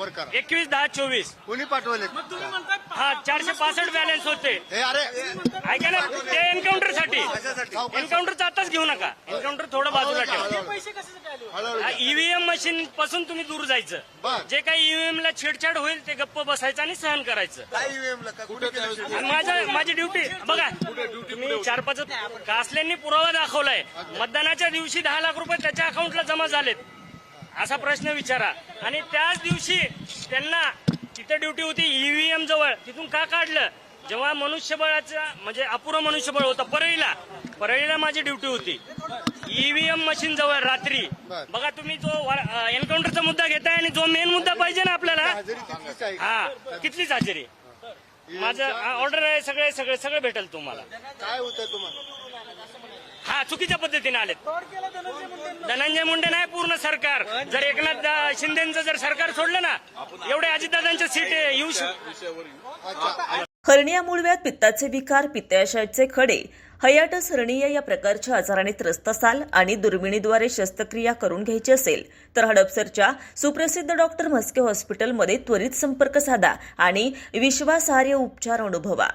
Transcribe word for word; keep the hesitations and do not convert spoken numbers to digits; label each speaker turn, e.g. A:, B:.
A: वर करा.
B: एकवीस दहा चोवीस
A: कोणी पाठवले?
B: हा चारशे पासष्ट बॅलन्स होते.
A: हे अरे
B: ऐका ना, ते एन्काउंटर साठी एन्काउंटरचा आताच घेऊ नका. एन्काउंटर थोडं बाजूला ठेवा. ईव्हीएम मशीन पासून तुम्ही दूर जायचं. जे काही ईव्हीएम ला छेडछाड होईल ते गप्प बसायचं आणि सहन करायचं. आणि माझं माझी ड्युटी बघा, तुम्ही चार पाच कासल्यांनी पुरावा दाखवलाय. मतदानाच्या दिवशी दहा लाख रुपये त्याच्या अकाउंटला जमा झालेत असा प्रश्न विचारा. आणि त्याच दिवशी त्यांना तिथे ड्युटी होती ईव्हीएम जवळ, तिथून का काढलं? जेव्हा मनुष्यबळाचा म्हणजे अपुरं मनुष्यबळ होतं परळीला, परळीला माझी ड्युटी होती ईव्हीएम मशीन जवळ रात्री. बघा तुम्ही जो एन्काउंटरचा मुद्दा घेताय आणि जो मेन मुद्दा पाहिजे ना आपल्याला, हा कितलीच हजेरी. माझं ऑर्डर आहे, सगळे सगळे सगळे भेटेल तुम्हाला.
A: काय होतं तुम्हाला?
B: हा चुकीच्या पद्धतीने आलेत. धनंजय मुंडे नाही, पूर्ण सरकार. जर एकनाथ शिंदेचं जर सरकार सोडलं ना, एवढे अजितदादांच्या सीट येऊ शकतात.
C: हर्निया मूळव्याध, पित्ताचे विकार, पित्ताशयाचे खडे, हायटिस हर्निया या प्रकारच्या आजाराने त्रस्त असाल आणि दुर्बिणीद्वारे शस्त्रक्रिया करून घ्यायची असेल तर हडपसरच्या सुप्रसिद्ध डॉक्टर म्हस्के हॉस्पिटलमध्ये त्वरित संपर्क साधा आणि विश्वासार्ह उपचार अनुभवा.